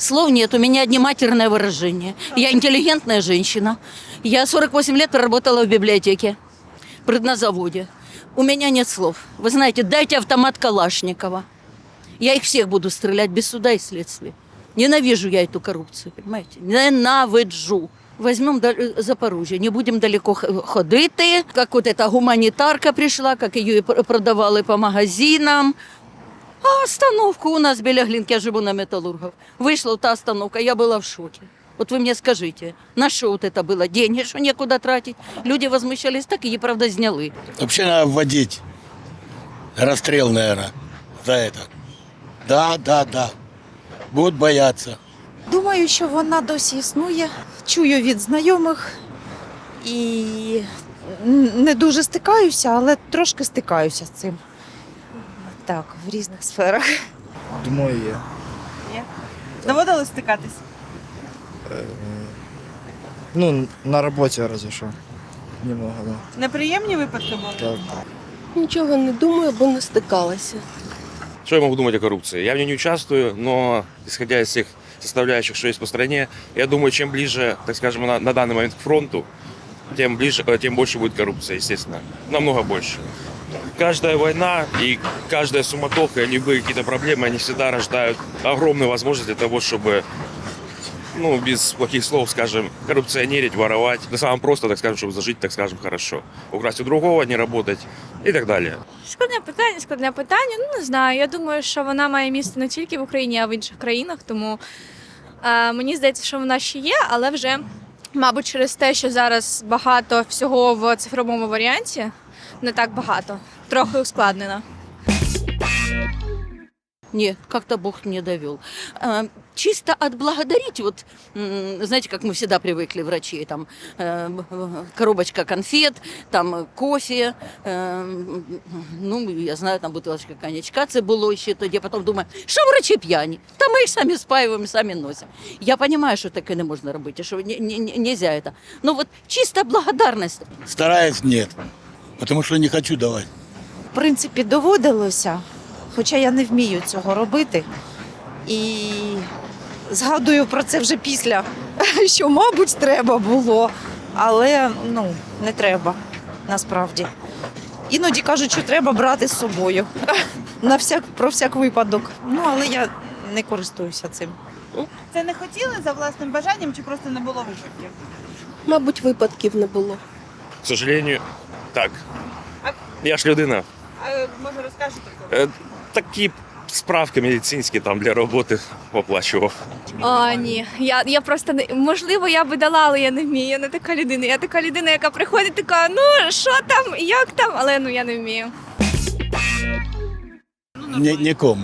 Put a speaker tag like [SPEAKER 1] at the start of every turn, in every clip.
[SPEAKER 1] Слов нет, у меня одни матерные выражения. Я интеллигентная женщина. Я 48 лет проработала в библиотеке, в предназаводе. У меня нет слов. Вы знаете, дайте автомат Калашникова. Я их всех буду стрелять без суда и следствия. Ненавижу я эту коррупцию, понимаете? Ненавиджу. Возьмем Запорожье, не будемо далеко ходити. Як от ця гуманітарка прийшла, як її продавали по магазинам. А остановку у нас біля Глинки, я живу на Металлургов. Вийшла та остановка, я була в шоке. Вот вы мне скажите, на что вот это было? Деньги, что некуда тратить? Люди возмущались, так її, правда, зняли.
[SPEAKER 2] Вообще надо вводить расстрел, наверное, за это. Да. Будут бояться.
[SPEAKER 3] Думаю, що вона досі існує. Чую від знайомих і не дуже стикаюся, але трошки стикаюся з цим. Так, в різних сферах.
[SPEAKER 4] Думаю, є.
[SPEAKER 5] Є? Доводилось стикатись?
[SPEAKER 4] Ну, на роботі разве що. Немного, да.
[SPEAKER 5] Неприємні випадки були?
[SPEAKER 4] Так.
[SPEAKER 6] Нічого не думаю, бо не стикалася.
[SPEAKER 7] Что я могу думать о коррупции? Я в ней не участвую, но исходя из всех составляющих, что есть по стране, я думаю, чем ближе, так скажем, на данный момент к фронту, тем больше будет коррупция, естественно. Намного больше. Каждая война и каждая суматоха, любые какие-то проблемы, они всегда рождают огромную возможность для того, чтобы, без плохих слов, скажем, коррупционерить, воровать. На самом просто, так скажем, чтобы зажить, так скажем, хорошо. Украсть у другого, не работать и так далее.
[SPEAKER 8] Складне питання. Не знаю. Я думаю, що вона має місце не тільки в Україні, а й в інших країнах. Тому мені здається, що вона ще є, але вже, мабуть, через те, що зараз багато всього в цифровому варіанті, не так багато, трохи ускладнено.
[SPEAKER 1] Нет, как-то Бог не довел. Чисто отблагодарить, вот, знаете, как мы всегда привыкли, врачи, там, коробочка конфет, там, кофе, я знаю, там, бутылочка коньячка, це було ще тоді, потім думаю, що врачі п'яні? Та ми їх самі спаюємо, самі носимо. Я розумію, що таке не можна робити, що нельзя это. Но вот чисто благодарность.
[SPEAKER 2] Стараюсь нет, потому что не хочу давать.
[SPEAKER 3] В принципі, доводилося, хоча я не вмію цього робити. І згадую про це вже після, що, мабуть, треба було, але не треба, насправді. Іноді кажуть, що треба брати з собою, про всяк випадок. Але я не користуюся цим.
[SPEAKER 5] Це не хотіли за власним бажанням чи просто не було випадків?
[SPEAKER 6] Мабуть, випадків не було.
[SPEAKER 7] К сожалению, так. Я ж людина.
[SPEAKER 5] А може розкажете?
[SPEAKER 7] Такі справки медицинські там для роботи оплачував.
[SPEAKER 8] Ні, я просто можливо, я би дала, але я не вмію. Я не така людина. Я така людина, яка приходить, така, що там, як там, але я не вмію.
[SPEAKER 2] Нікому.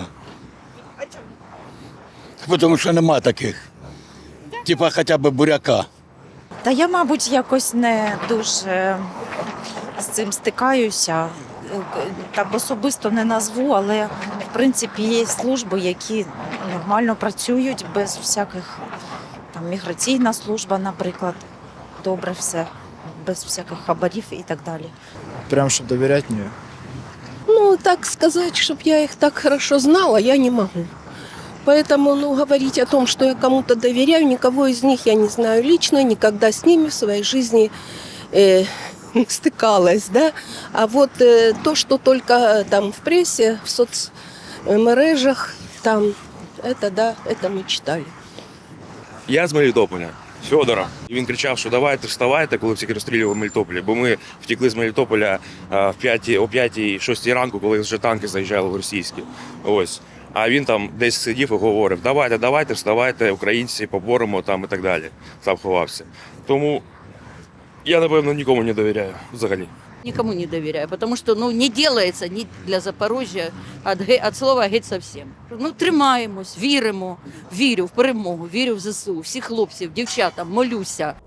[SPEAKER 2] Тому що нема таких. Типа хоча б буряка.
[SPEAKER 3] Та я, мабуть, якось не дуже з цим стикаюся. Так особисто не назву, але в принципі є служби, які нормально працюють без всяких, там, міграційна служба, наприклад, добре все, без всяких хабарів і так далі.
[SPEAKER 4] Прям, щоб довіряти, ні.
[SPEAKER 6] Так сказать, чтобы я их так хорошо знала, я не могу. Поэтому, говорить о том, что я кому-то доверяю, никого из них я не знаю лично, никогда с ними в своей жизни не стыкалась, да. А вот то, что только там в прессе, в соцмережах, там, это мы читали.
[SPEAKER 7] Я з Мелітополя, Федора. І він кричав, що давайте вставайте, коли всіх розстрілювали в Мелітополі. Бо ми втекли з Мелітополя о 5-6 ранку, коли вже танки заїжджали в російські. Ось. А він там десь сидів і говорив, давайте, вставайте, українці, поборемо там і так далі. Там ховався. Тому я, напевно, нікому не довіряю взагалі.
[SPEAKER 1] Никому не доверяю, потому что не делается ни для Запорожжя от слова геть совсем. Тримаємось, віримо, вірю в перемогу, вірю в ЗСУ, всіх хлопців, дівчатам, молюся.